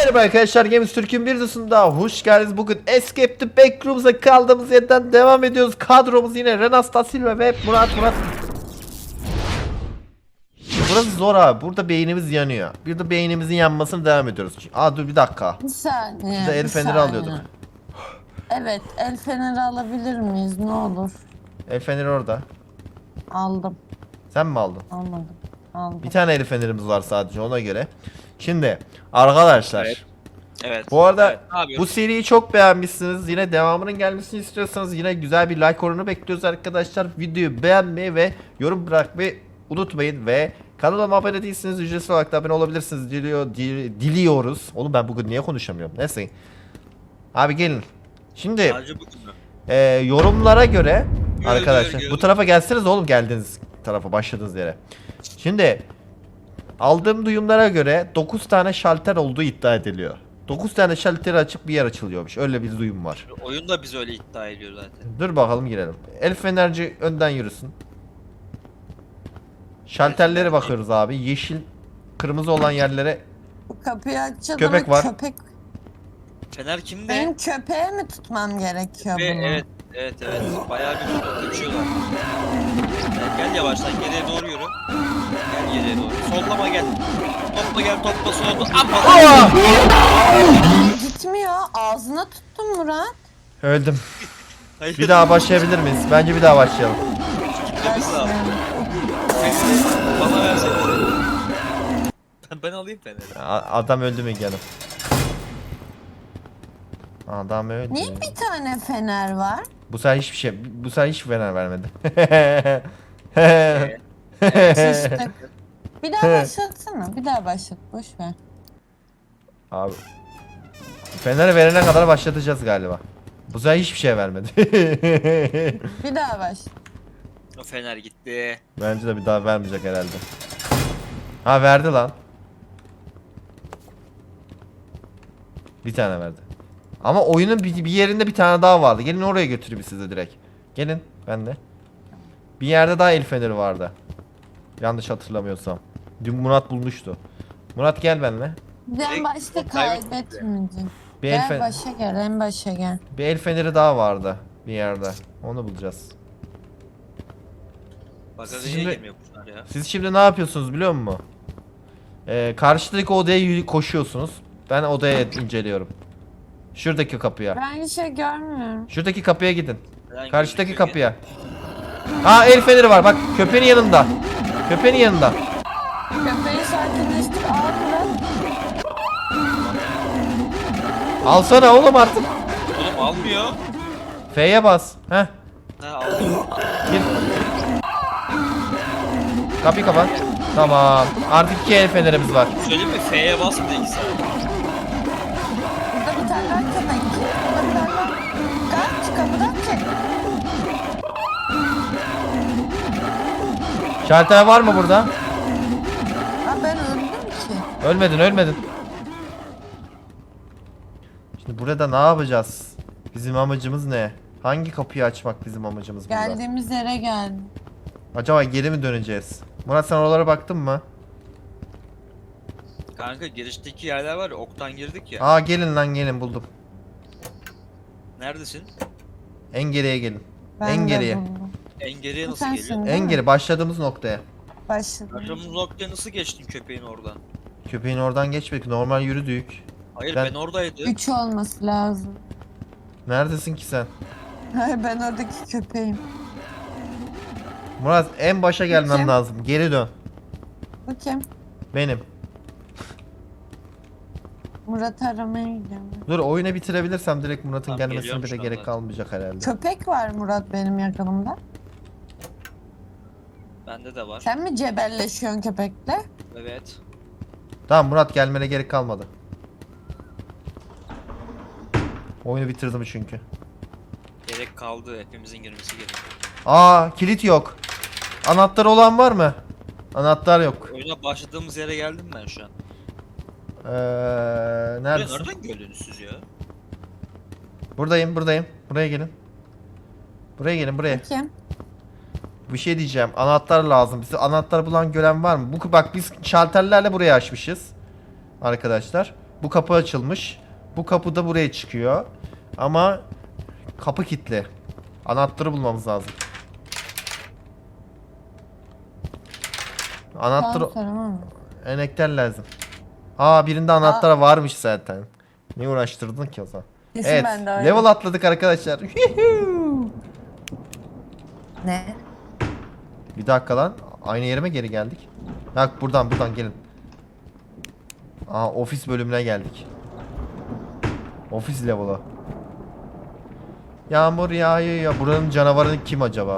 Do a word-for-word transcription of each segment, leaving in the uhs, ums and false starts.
Merhaba arkadaşlar, Games Türk'ün bir videosunda hoş geldiniz. Bugün Escape the Backrooms'a kaldığımız yerden devam ediyoruz. Kadromuz yine Renas da Silva ve Murat Murat. Burası zor abi. Burada beynimiz yanıyor. Bir de beynimizin yanmasını devam ediyoruz. Aa dur bir dakika. Bir saniye. Biz de el bir feneri saniye. alıyorduk. Evet, el feneri alabilir miyiz? Ne olur. El feneri orada. Aldım. Sen mi aldın? Almadım. Aldım. Bir tane el fenerimiz var sadece, ona göre. Şimdi arkadaşlar. Evet. Evet. Bu arada Evet, ne yapıyorsun? bu seriyi çok beğenmişsiniz. Yine devamının gelmesini istiyorsanız yine güzel bir like oranı bekliyoruz arkadaşlar. Videoyu beğenmeyi ve yorum bırakmayı unutmayın ve kanalıma abone değilseniz ücretsiz olarak da abone olabilirsiniz diliyor, dil- diliyoruz. Oğlum ben bugün niye konuşamıyorum? Neyse. Abi gelin. Şimdi Sadece bugün mü? e, yorumlara göre Gör, arkadaşlar gör, bu gör. tarafa gelseniz oğlum, geldiğiniz tarafa, başladığınız yere. Şimdi aldığım duyumlara göre dokuz tane şalter olduğu iddia ediliyor. dokuz tane şalteri açıp bir yer açılıyormuş. Öyle bir duyum var. Oyun da biz öyle iddia ediyor zaten. Dur bakalım, girelim. El fenerci önden yürüsün. Şalterlere bakıyoruz abi. Yeşil, kırmızı olan yerlere. Bu kapıyı açalım. Köpek var. Köpek. Fener kimde? Benim köpeğe mi tutmam gerekiyor Ve bunu? evet, evet, evet. Bayağı bir kaçıyorlar. Gel, gel yavaştan geriye doğru yürü. Gel geriye doğru. Sollama gel. Topla gel, topla solda. Amma. Gitmiyor. Ağzına tuttum Murat. Öldüm. Hayır. Bir daha başlayabilir miyiz? Bence bir daha başlayalım. Gitmemiz lazım. Feneri bana versene. Ben, ben alayım Fener'i. A- adam öldü mü canım? Adam öldü. Niye bir tane fener var? Bu sefer hiçbir şey, bu sefer hiç fener vermedi. Şiştik. Bir daha başlatsana. Bir daha başlat. Boş ver. Abi. Fener verene kadar başlatacağız galiba. Bu sefer hiçbir şey vermedi. Bir daha başla. O Fener gitti. Bence de bir daha vermeyecek herhalde. Ha, verdi lan. Bir tane verdi. Ama oyunun bir, bir yerinde bir tane daha vardı. Gelin oraya götüreyim sizi direkt. Gelin ben de. Bir yerde daha el feneri vardı. Yanlış hatırlamıyorsam. Dün Murat bulmuştu. Murat gel benimle. En Direkt başta o kaybettik kaybetmeyeceğim. Bir el, Gel fe- başa gel. En başa gel. bir el feneri daha vardı bir yerde. Onu bulacağız. Bagaja Şimdi- niye girmiyor bunlar ya? Siz şimdi ne yapıyorsunuz biliyor musun? Ee, karşıdaki odaya yürü- koşuyorsunuz. Ben odaya inceliyorum. Şuradaki kapıya. Ben hiç şey görmüyorum. Şuradaki kapıya gidin. Neden Karşıdaki gözüküyor kapıya. Aa, el feneri var bak, köpeğin yanında. Köpeğin yanında. Köpeği sakinleştir. Al Murat. Alsana oğlum artık. ki? Oğlum almıyor. F'ye bas. Heh. Ha almıyor. Gir. Kapıyı kapat. Tamam. Artık iki el fenerimiz var. Söyleyeyim mi? F'ye basmadı iki saat. Burada bir tane daha köpek. Burada bir tane daha. Kaç kapıdan çek. Şalter var mı burada? Ha, ben öldüm ki. Ölmedin, ölmedin. Şimdi burada ne yapacağız? Bizim amacımız ne? Hangi kapıyı açmak bizim amacımız burada? Geldiğimiz yere geldim. Acaba geri mi döneceğiz? Murat, sen oralara baktın mı? Kanka girişteki yerler var ya, oktan girdik ya. Aa, gelin lan, gelin, buldum. Neredesin? En geriye gelin. Ben en de geriye. buldum. En geriye Bu nasıl sensin geliyor? değil En mi? geri, başladığımız noktaya. Başladım. Aşağımız noktaya nasıl geçtin köpeğin oradan? Köpeğin oradan geçmedik. Normal yürüdük. Hayır Ben- ben, oradaydım. Üç olması lazım. Neredesin ki sen? Hayır, ben oradaki köpeğim. Murat, en başa gelmem Kim? lazım. Geri dön. Bu kim? Benim. Murat aramaya gidiyorum. Dur, oyunu bitirebilirsem direkt Murat'ın Tamam, gelmesine geliyorum bile şu gerek anda. kalmayacak herhalde. Köpek var Murat benim yakınımda. Bende de var. Sen mi cebelleşiyorsun köpekle? Evet. Tamam Murat, gelmene gerek kalmadı. Oyunu bitirdim çünkü. Gerek kaldı. Hepimizin girmesi gerekiyor. Aa, kilit yok. Anahtar olan var mı? Anahtar yok. Oyuna başladığımız yere geldim ben şu an. Ee, Buraya neredesin? nereden geldiniz siz ya? Buradayım, buradayım. Buraya gelin. Buraya gelin, buraya. Kim? Bir şey diyeceğim. Anahtar lazım. Bize anahtar bulan gören var mı? Bu bak, biz şalterlerle burayı açmışız. Arkadaşlar. Bu kapı açılmış. Bu kapı da buraya çıkıyor. Ama kapı kilitli. Anahtarı bulmamız lazım. Anahtarı Asansör ama. enekter lazım. Aa birinde anahtar varmış zaten. Ne uğraştırdın ki o zaman? Kesin Evet. ben de öyle. Level atladık arkadaşlar. Ne? Bir dakika lan. Aynı yere mi geri geldik? Bak buradan buradan gelin. Aa ofis bölümüne geldik. Ofis level'ı. Yağmur yağıyor ya. Buranın canavarı kim acaba?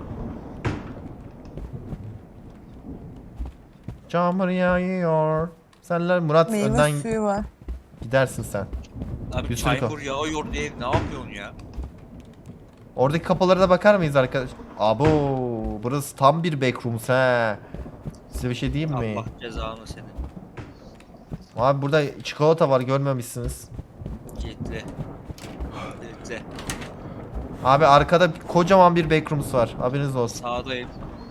Yağmur yağıyor. Senler Murat Meyve önden suyu var. gidersin sen. Abi Bir sürü çaykur yağıyor diye ne yapıyorsun ya? Oradaki kapılara da bakar mıyız arkadaş? Abo, burası tam bir backrooms he. Size bir şey diyeyim mi? Allah cezanı senin. Abi burada çikolata var görmemişsiniz. Kilitli. Kilitli. Abi arkada kocaman bir backrooms var. Haberiniz olsun. Sağdayım.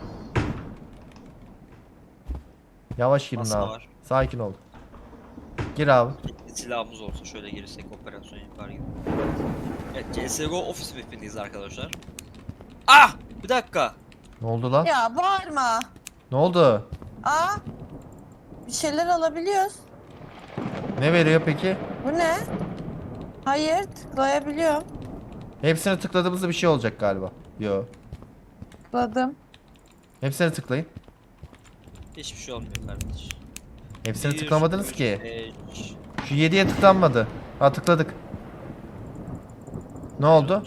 Yavaş girin Masa abi. var. Sakin ol. Gir abi. Kilitli silahımız olsa şöyle girsek operasyon yapar gibi. Evet C S G O ofis map'indeyiz arkadaşlar. Ah! Bir dakika. Ne oldu lan? Ya bağırma. Ne oldu? Aa. Bir şeyler alabiliyoruz. Ne veriyor peki? Bu ne? Hayır, tıklayabiliyorum. Hepsine tıkladığımızda bir şey olacak galiba. Yo. Tıkladım. Hepsine tıklayın. Hiçbir şey olmuyor kardeş. Hepsine Bir, tıklamadınız üç, ki. beş, Şu yediye tıklanmadı. Ha tıkladık. Ne oldu?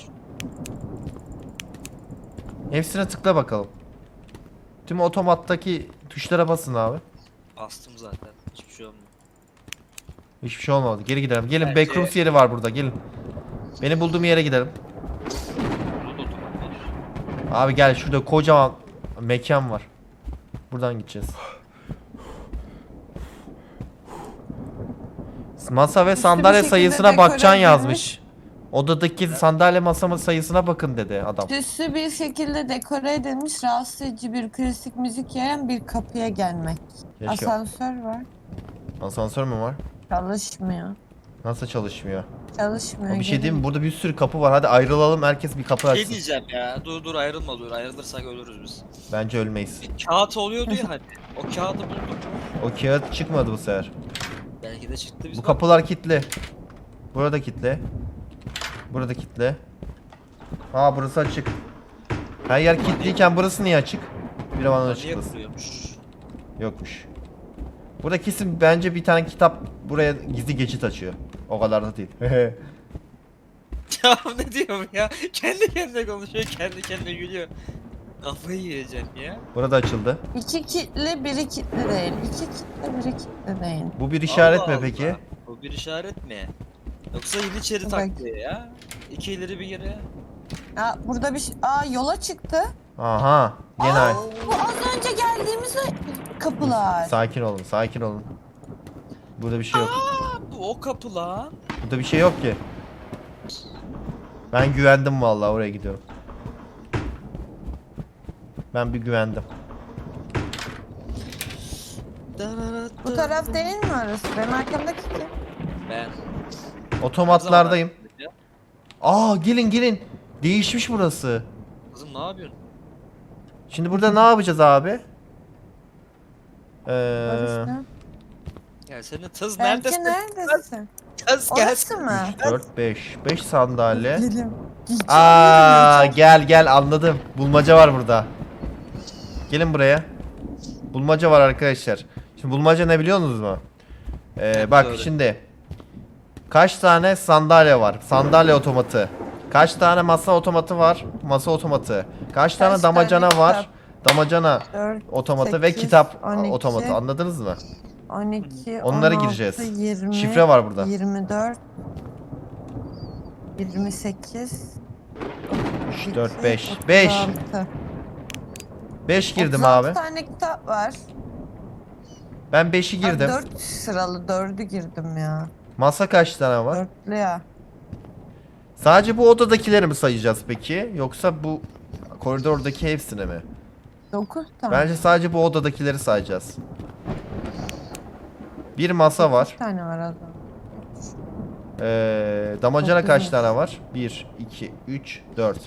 Hepsine tıkla bakalım. Tüm otomattaki tuşlara basın abi. Bastım zaten. Hiçbir şey olmuyor. Hiçbir şey olmadı. Geri gidelim. Gelin Bence- backrooms yeri var burada. Gelin. Beni bulduğum yere gidelim. Burada da otomat var. Abi gel şurada kocaman mekan var. Buradan gideceğiz. Masa ve Üstü bir sandalye şekilde sayısına dekore bakacaksın edilmiş. yazmış. Odadaki sandalye masa sayısına bakın dedi adam. Süslü bir şekilde dekore edilmiş, rahatsız edici bir klasik müzik yayan bir kapıya gelmek. Keşke. Asansör var. Asansör mü var? Çalışmıyor. Nasıl çalışmıyor? Çalışmıyor. Bir şey diyeyim mi? gelin. Burada bir sürü kapı var. Hadi ayrılalım. Herkes bir kapı Şey açsın. diyeceğim ya. Dur dur ayrılma dur. Ayrılırsak ölürüz biz. Bence ölmeyiz. Bir kağıt oluyordu ya hani. O kağıdı bulduk. O kağıt çıkmadı bu sefer. Belki de çıktı biz. Bu kapılar kilitli. Burada kilitli. Burada kilitli. Aa burası açık. Her yer kilitliyken burası niye açık? Bir zaman Niye açık burası. kuruyormuş? Yokmuş. Burada kesin bence bir tane kitap buraya gizli geçit açıyor. O kadar da değil. Ya ne diyorum ya? Kendi kendine konuşuyor, kendi kendine gülüyor. Kafayı yiyeceğim ya. Burada açıldı. İki kitli, biri kitli değil. İki kitli, biri kitli değil. Bu bir işaret Allah mi Allah. peki? Bu bir işaret mi? Yoksa Yeniçeri Bak. taktiği ya. İki ileri bir geri. Aa, burada bir şey... Aa, yola çıktı. Aha. Gene Aa, ay- bu az önce geldiğimiz kapılar. Sakin olun, sakin olun. Burada bir şey yok. Aa, bu o kapı lan. Burada bir şey yok ki. Ben güvendim vallahi oraya gidiyorum. Ben bir güvendim. Bu taraf değil mi orası? Benim arkamdaki kim? Ben. Otomatlardayım. Aa gelin gelin. Değişmiş burası. Kızım ne yapıyorsun? Şimdi burada ne yapacağız abi? Ee, Orası ne? Ya senin tız Belki neredesin? neredesin? Kız Orası gelsin. mı? dört, beş. beş sandalye. Gelim. Aa gel gel anladım. Bulmaca var burada. Gelin buraya. Bulmaca var arkadaşlar. Şimdi bulmaca ne biliyor musunuz mu? Ee, bak Söyle. şimdi. Kaç tane sandalye var? Sandalye otomatı. Kaç tane masa otomatı var? Masa otomatı. Kaç tane Kaç damacana tane var? Damacana dört, otomatı ve sekiz, kitap on iki, otomatı. Anladınız mı? on iki, Onlara on altı, gireceğiz. yirmi, Şifre var burada. yirmi dört, yirmi sekiz, üç, dört, beş. beş. beş girdim otuz altı abi. tane kitap var. Ben beşi girdim. dört sıralı dördü girdim ya. Masa kaç tane var? Dörtlü ya. Sadece bu odadakileri mi sayacağız peki? Yoksa bu koridordaki hepsini mi? dokuz tane. Bence sadece bu odadakileri sayacağız. Bir masa var. dokuz tane var o zaman. Ee, damacana Çok kaç güzel. tane var? bir, iki, üç, dört.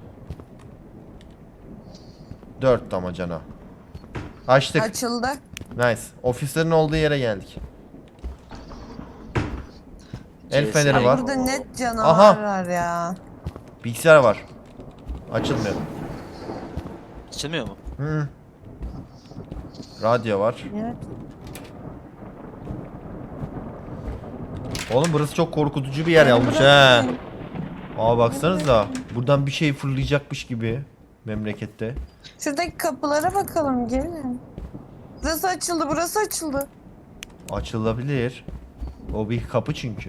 dört damacana. Açtık. Açıldı. Nice. Ofislerin olduğu yere geldik. El C S. feneri Ay, var. burada net canavar Aha. var ya. Bilgisayar var. Açılmıyor. Açılmıyor mu? Hı. Radyo var. Evet. Oğlum burası çok korkutucu bir yer yapmış he. Aa baksanıza. Buradan bir şey fırlayacakmış gibi memlekette. Şuradaki kapılara bakalım gelin. Burası açıldı, burası açıldı. Açılabilir. O bir kapı çünkü.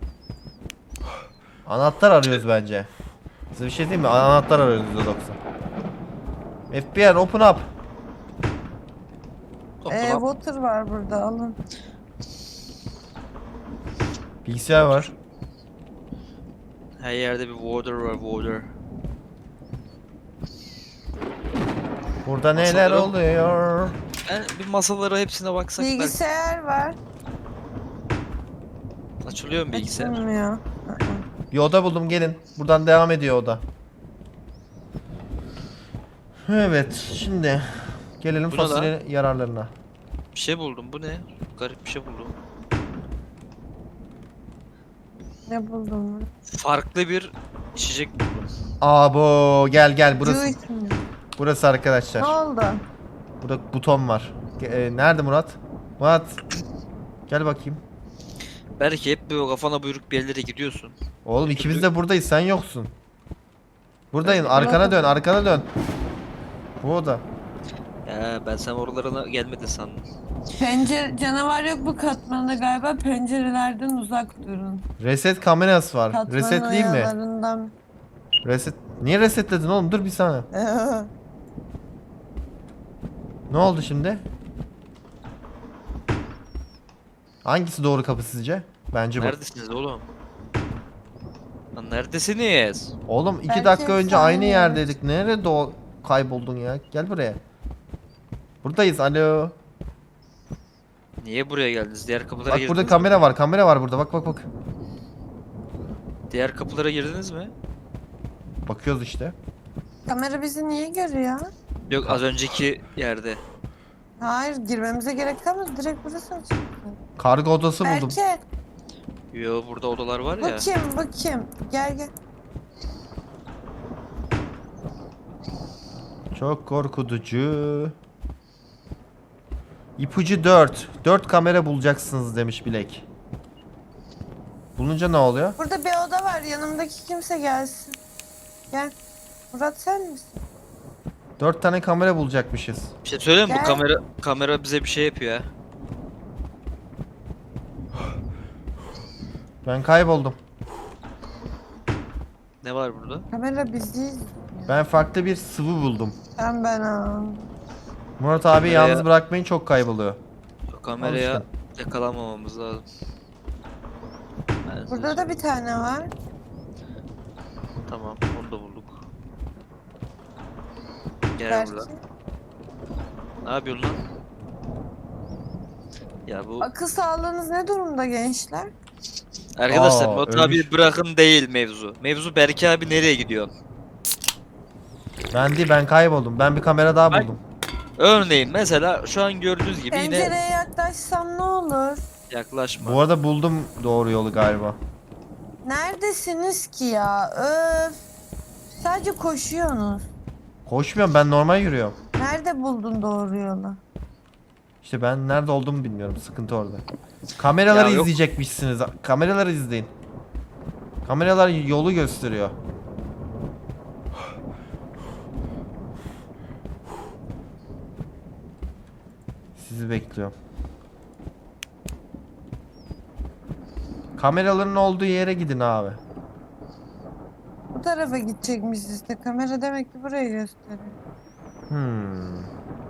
Anahtar arıyoruz bence. Size bir şey diyeyim mi? Anahtar arıyoruz yüzde doksan. F B R open up. Top Ee, dolap. water var burada alın. Bilgisayar var. Her yerde bir water var, water. Burada neler Masalarım- oluyor? Ben bir masalara hepsine baksak belki Bilgisayar var. açılıyor mu bilgisayar? Açılmıyor. Bir oda buldum gelin. Buradan devam ediyor oda. Evet şimdi gelelim Bu ne lan? fasulye yararlarına. Bir şey buldum. Bu ne? Garip bir şey buldum. Ne buldum? Farklı bir içecek buldum. Abo gel gel burası. Juice mi? Burası arkadaşlar. Ne oldu? Burada buton var. Ge- e, nerede Murat? Murat. Gel bakayım. Belki hep böyle kafana buyruk bir yerlere gidiyorsun. Oğlum ikimiz de buradayız sen yoksun. Buradayım Ben- arkana dön arkana dön. Bu oda. Ya ben sen oralarına gelmedin sandım. Pencere canavar yok bu katmanda galiba. Pencerelerden uzak durun. Reset kamerası var. Katmanın Resetleyeyim mi? ayalarından. Reset. Niye resetledin oğlum? Dur bir saniye. Ne oldu şimdi? Hangisi doğru kapı sizce? Bence bu. Neredesiniz oğlum? Lan neredesiniz? Oğlum iki Belki dakika önce efsane aynı yer. yerdeydik. Nerede o kayboldun ya? Gel buraya. Buradayız. Alo. Niye buraya geldiniz? Diğer kapılara Bak girdiniz burada mi? kamera var. Kamera var burada. Bak bak bak. Diğer kapılara girdiniz mi? Bakıyoruz işte. Kamera bizi niye görüyor? Yok az önceki yerde. Hayır girmemize gerek kalmaz. Direkt burası açık. Kargo odası buldum. Belki. Yo burada odalar var ya. Bakayım bakayım. Gel gel. Çok korkutucu. İpucu dört. dört kamera bulacaksınız demiş Bilek. Bulunca ne oluyor? Burada bir oda var. Yanımdaki kimse gelsin. Gel. Murat sen misin? dört tane kamera bulacakmışız. Bir şey söyleyeyim mi? Bu Gel. kamera kamera bize bir şey yapıyor ha. Ben kayboldum. Ne var burada? Kamera biziz. Ben farklı bir sıvı buldum. Sen ben al. Murat abi Nereye? yalnız bırakmayın çok kayboluyor. O kameraya Al yakalanmamamız lazım. Ben size Burada da bir tane var. Tamam, onu da bulduk. Gel Belki. burada. Ne yapıyorsun lan? Ya bu Akıl sağlığınız ne durumda gençler? arkadaşlar Aa, Batu ölmüş. abi bırakın değil mevzu. Mevzu Berke abi nereye gidiyor? Ben değil ben kayboldum. Ben bir kamera daha Bak. buldum. Örneğin mesela şu an gördüğünüz gibi yine Pencereye yaklaşsam ne olur? yaklaşma. Bu arada buldum doğru yolu galiba. Neredesiniz ki ya? Öf. Sadece koşuyorsunuz. Koşmuyorum ben normal yürüyorum. Nerede buldun doğru yolu? İşte ben nerede olduğumu bilmiyorum. Sıkıntı orada. Kameraları Ya yok. izleyecekmişsiniz. Kameraları izleyin. Kameralar yolu gösteriyor. Sizi bekliyorum. Kameraların olduğu yere gidin abi. Bu tarafa gidecekmişiz işte. Kamera demek ki burayı gösteriyor. Hmm.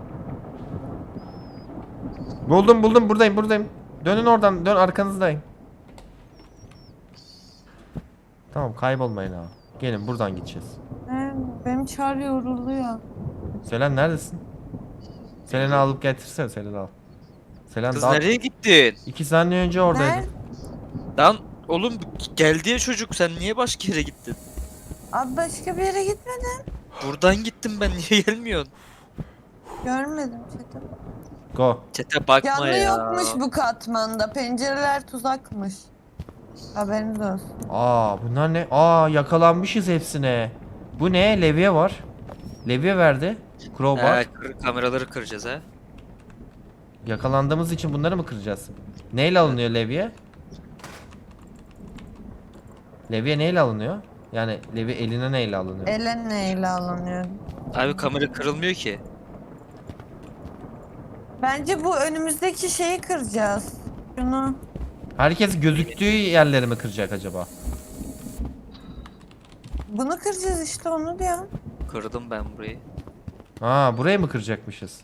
Buldum buldum buradayım buradayım. Dönün oradan dön arkanızdayım. Tamam kaybolmayın abi. Gelin buradan gideceğiz. He, benim çar yoruluyor. Selen neredesin? Selen'i alıp getirsene Selen'i al. Selen Kız daha nereye gittin? iki saniye önce oradaydı. Nerede? Lan oğlum geldi ya çocuk, sen niye başka yere gittin? Abi başka bir yere gitmedim. Buradan gittim ben, niye gelmiyorsun? Görmedim çete. Go. Çete bakma Canlı ya. yokmuş bu katmanda. Pencereler tuzakmış. Haberiniz olsun. Aa bunlar ne? Aa yakalanmışız hepsine. Bu ne? Levye var. Levye verdi. Crowbar. He, kır- kameraları kıracağız ha. Yakalandığımız için bunları mı kıracağız? Neyle alınıyor levye? Levye neyle alınıyor? Yani levye eline neyle alınıyor? Ele neyle alınıyor? Abi kamera kırılmıyor ki. Bence bu önümüzdeki şeyi kıracağız. Şunu. Herkes gözüktüğü yerleri mi kıracak acaba? Bunu kıracağız işte, onu diyorum. Kırdım ben burayı. Ha burayı mı kıracakmışız?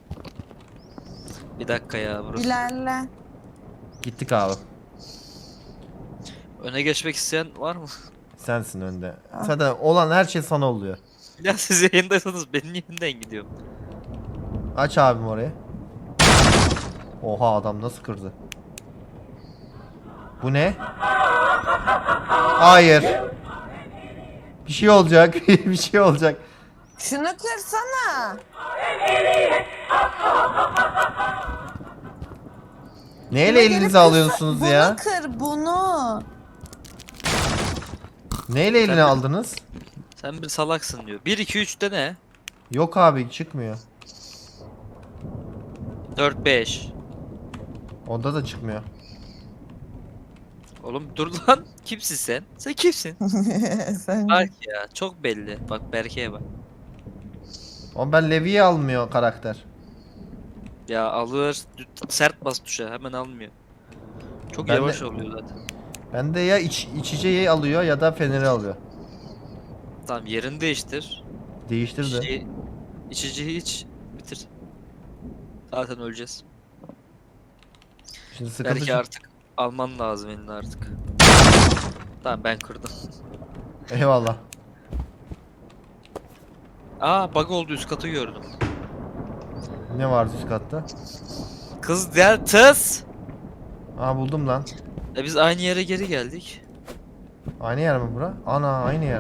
Bir dakika ya burası. İlerle. Gittik abi. Öne geçmek isteyen var mı? Sensin önde. Ah. Zaten olan her şey sana oluyor. Ya siz yayındaysanız benim yeniden gidiyorum. Aç abim orayı. Oha adam nasıl kırdı? Bu ne? Hayır. Bir şey olacak. Bir şey olacak. Şunu kırsana. Neyle Şuna gelip elinize kırsa- alıyorsunuz ya? Bunu kır, bunu. Neyle eline Sen- aldınız? Sen bir salaksın diyor. bir iki üçte ne? Yok abi çıkmıyor. dört beş. Onda da çıkmıyor. Oğlum dur lan. Kimsin sen? Sen kimsin? Sen Bak ya çok belli. Bak Berke'ye bak. O ben Levi'yi almıyor karakter. Ya alır. Sert bas tuşa, hemen almıyor. Çok Ben de- yavaş oluyor zaten. Bende ya iç, içeceği alıyor ya da feneri alıyor. Tamam yerini değiştir. Değiştirdi. İçeceği, içeceği iç. Bitir. Zaten öleceğiz. Şimdi sıkıntı Belki şu- artık alman lazım elini artık. Tamam ben kırdım. Eyvallah. Aa bug oldu, üst katı gördüm. Ne vardı üst katta? Kız gel tız. Aa buldum lan. E biz aynı yere geri geldik. Aynı yer mi bura? Ana aynı yer.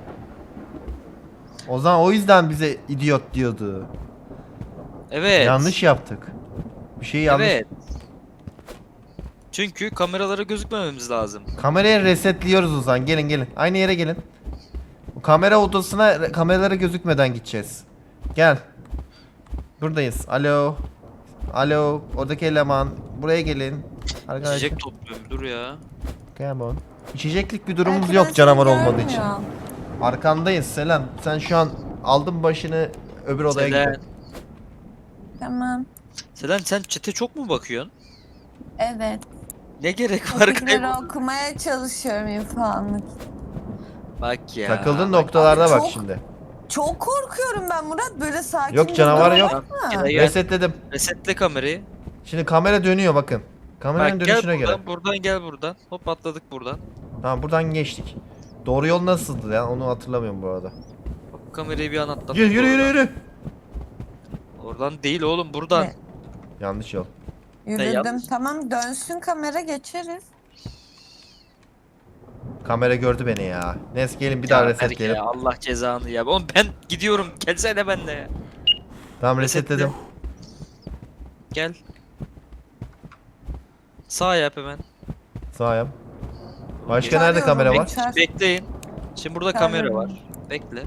O zaman o yüzden bize idiot diyordu. Evet. Yanlış yaptık. Bir şey yanlış. Evet. Çünkü kameralara gözükmememiz lazım. Kamerayı resetliyoruz o zaman. Gelin gelin. Aynı yere gelin. Bu kamera odasına re- kameralara gözükmeden gideceğiz. Gel. Buradayız. Alo. Alo. Oradaki eleman. Buraya gelin. Arkadaşlar. İçecek topluyorum, dur ya. Come on. İçeceklik bir durumumuz Belki yok ben canavar seni olmadığı için. görmüyorum. Arkandayız Selen. Sen şu an aldın başını öbür odaya Selen. git. Tamam. Selen sen çete çok mu bakıyorsun? Evet. Ne gerek var Fikirleri kaybol? okumaya çalışıyorum infoanlık. Bak ya. Takıldığın bak. noktalarda Abi bak çok- şimdi. Çok korkuyorum ben Murat, böyle sakin. Yok, bir canavar durum yok. var mı? Gel, gel. Resetledim. Resetle kamerayı. Şimdi kamera dönüyor bakın. Kameranın Bak gel dönüşüne buradan, göre. buradan gel buradan. Hop atladık buradan. Tamam buradan geçtik. Doğru yol nasıldı ya? Onu hatırlamıyorum bu arada. Hop kamerayı bir an atladık. Yürü yürü yürü oradan. yürü. Oradan değil oğlum, buradan. Ne? Yanlış yol. Yürüdüm. yanlış. Tamam, dönsün kamera, geçeriz. Kamera gördü beni ya. Neyse gelin bir daha Ya Berke resetleyelim. ya, Allah cezanı ya. Oğlum ben gidiyorum. Gelsene benimle ya. Tamam Resetle. resetledim. Gel. Sağ yap hemen. Sağ yap. Başka Çağırıyorum, nerede kamera var? bekle. Bekleyin. Şimdi burada kamera var. Bekle.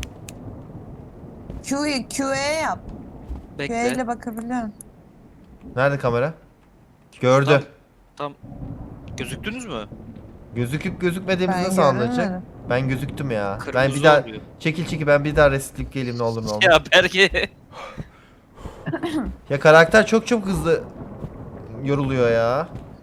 Q'yu Q'ye yap. Q Bekle. ile bakabiliyorum. Nerede kamera? Gördü. Tam- Tam gözüktünüz mü? Gözüküp gözükmediğimizi Ben nasıl anlayacak? görmedim. Ben gözüktüm ya. ben Kırmızı bir daha oluyor. çekil çekil ben bir daha resetleyip geleyim ne olur ne olmaz. Ya. Ya Berke. karakter çok çok hızlı yoruluyor ya.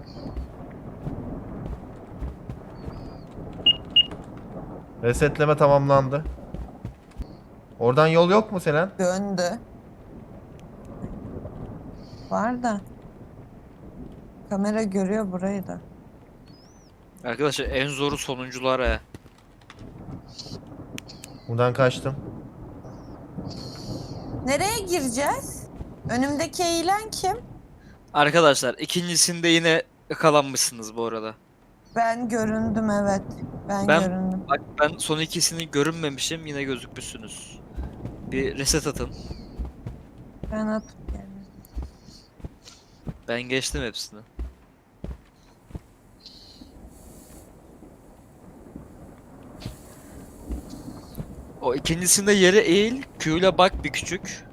Resetleme tamamlandı. Oradan yol yok mu Selen? Döndü. Var da. Kamera görüyor burayı da. Arkadaşlar en zoru sonuncular ha. Buradan kaçtım. Nereye gireceğiz? Önümdeki eğilen kim? Arkadaşlar ikincisinde yine yakalanmışsınız bu arada. Ben göründüm evet. Ben, Ben- göründüm. Bak ben son ikisini görünmemişim, yine gözükmüşsünüz. Bir reset atın. Ben atıp geldim. Ben geçtim hepsini. O ikincisinde yere eğil, Q ile bak bir küçük.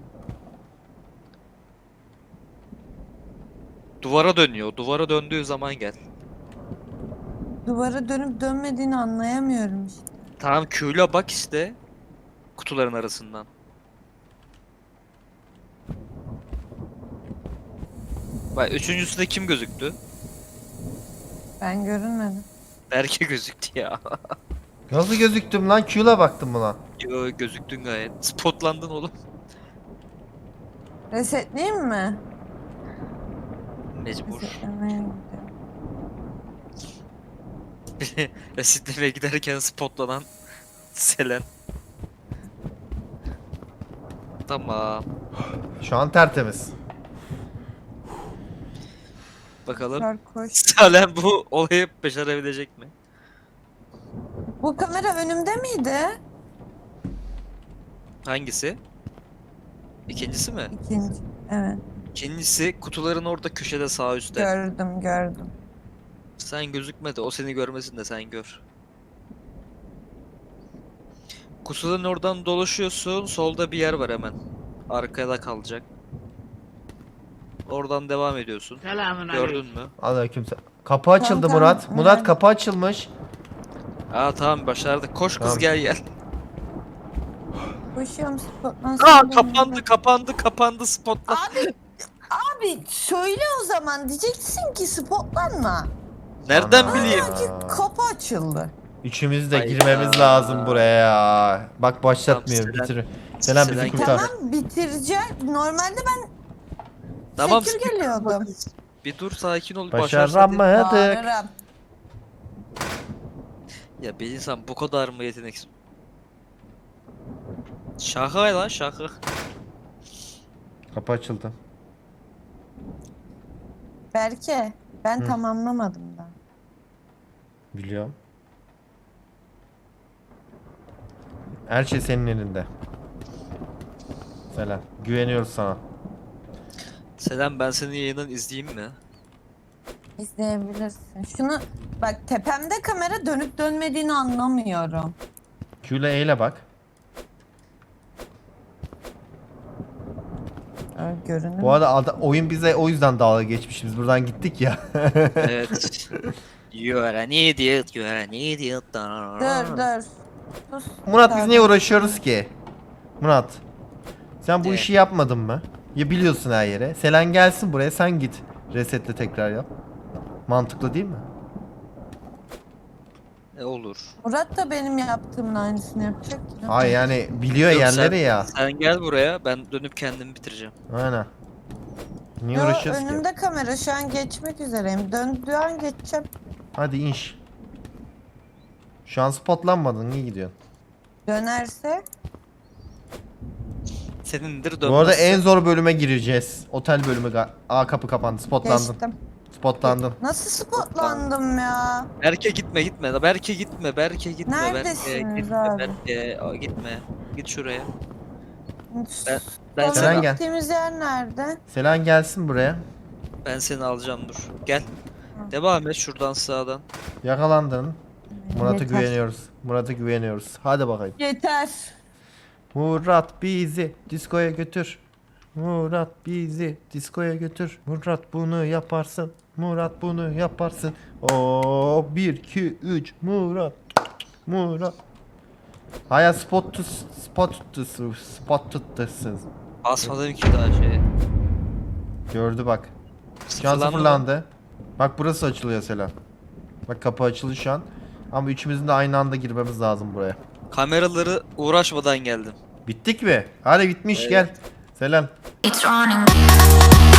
Duvara dönüyor. Duvara döndüğü zaman gel. Duvara dönüp dönmediğini anlayamıyorum işte. Tamam, Q ile bak işte. Kutuların arasından. Bak üçüncüsünde kim gözüktü? Ben görünmedim. Berke gözüktü ya. Nasıl gözüktüm lan? Q'la baktım buna. Yo, gözüktün gayet. Spotlandın oğlum. Resetleyeyim mi? Mecbur. Resetlemeye gidiyorum. Resetlemeye giderken spotlanan Selen. Tamam. Şu an tertemiz. Bakalım. Sarkoş. Selen bu olayı başarabilecek mi? Bu kamera önümde miydi? Hangisi? İkincisi mi? İkinci. Evet. İkincisi kutuların orada köşede sağ üstte. Gördüm gördüm. Sen gözükme de o seni görmesin de sen gör. Kutuların oradan dolaşıyorsun. Solda bir yer var hemen. Arkada kalacak. Oradan devam ediyorsun. Gördün mü? Aleykümselam. Kapı açıldı Tamam, Murat. tamam. Murat Evet. kapı açılmış. Aa tamam, başardık. Koş kız, Tamam. gel gel. Koşuyorum spotlan. Aa kapandı kapandı kapandı spotla. Abi, abi söyle o zaman. Diyeceksin ki spotlanma. Nereden Ana. bileyim? Ki kapı açıldı. Üçümüz de Hayda. girmemiz lazım buraya. Bak başlatmıyor. Tamam, Selen- Bitir. Selen bizi Selen- kurtar. Tamam bitireceğim. Normalde ben Tamam. sekür geliyordum. Bir dur, sakin ol. Başaramadık. Başaramadık. Bağırırım. Ya bir insan bu kadar mı yeteneksiz? Şaka lan şaka. Kapı açıldı. Berke ben Hı. tamamlamadım da. Biliyorum. Her şey senin elinde. Selen. Güveniyoruz sana. Selam, ben senin yayından izleyeyim mi? İzleyebilirsin. Şunu bak, tepemde kamera dönüp dönmediğini anlamıyorum. Q ile E ile bak. Öyle görünür. Bu arada ada- oyun bize o yüzden dalga geçmiş. Biz buradan gittik ya. Evet. You're an idiot, you're an idiot. Dur dur. Sus. Murat biz niye Pardon. uğraşıyoruz ki? Murat. Sen bu Ne? işi yapmadın mı? Ya biliyorsun her yere. Selen gelsin buraya, sen git. Resetle tekrar yap. Mantıklı değil mi? Ne olur. Murat da benim yaptığımın aynısını yapacak ki. Ay yani biliyor Yok, yerleri sen- ya. Sen gel buraya, ben dönüp kendimi bitireceğim. Aynen. Niye Yo, uğraşıyoruz ki? önümde kamera, şu an geçmek üzereyim. Döndüğü an geçeceğim. Hadi inş. Şu an spotlanmadın. Niye gidiyorsun? Dönerse Senindir dönmezse. Bu arada en zor bölüme gireceğiz. Otel bölümü. ga- Aa kapı kapandı. Spotlandın. geçtim. Spotlandın. Nasıl spotlandım ya? Berke gitme gitme. Berke gitme. Berke gitme. Neredesiniz Berke, gitme, abi? Berke. Aa, gitme. Git şuraya. Ben- Ben, Ben Selen seni, gel. gittiğimiz yer nerede? Selen gelsin buraya. ben seni alacağım, dur. Gel. Devam et şuradan sağdan. Yakalandın. Murat'a Yeter. güveniyoruz. Murat'a güveniyoruz. Hadi bakayım. Yeter. Murat bizi diskoya götür. Murat bizi diskoya götür. Murat bunu yaparsın. Murat bunu yaparsın. O bir iki üç Murat. Murat. Haya spot tut spot tut spot tuttasın. Basmadım ki daha şeye. Gördü bak. Şu an Sıfırlandı mı? sıfırlandı. Bak burası açılıyor Selam. Bak kapı açıldı şu an. Ama üçümüzün de aynı anda girmemiz lazım buraya. Kameraları uğraşmadan geldim. Bittik mi? Hadi bitmiş Evet. gel. Selam. It's running.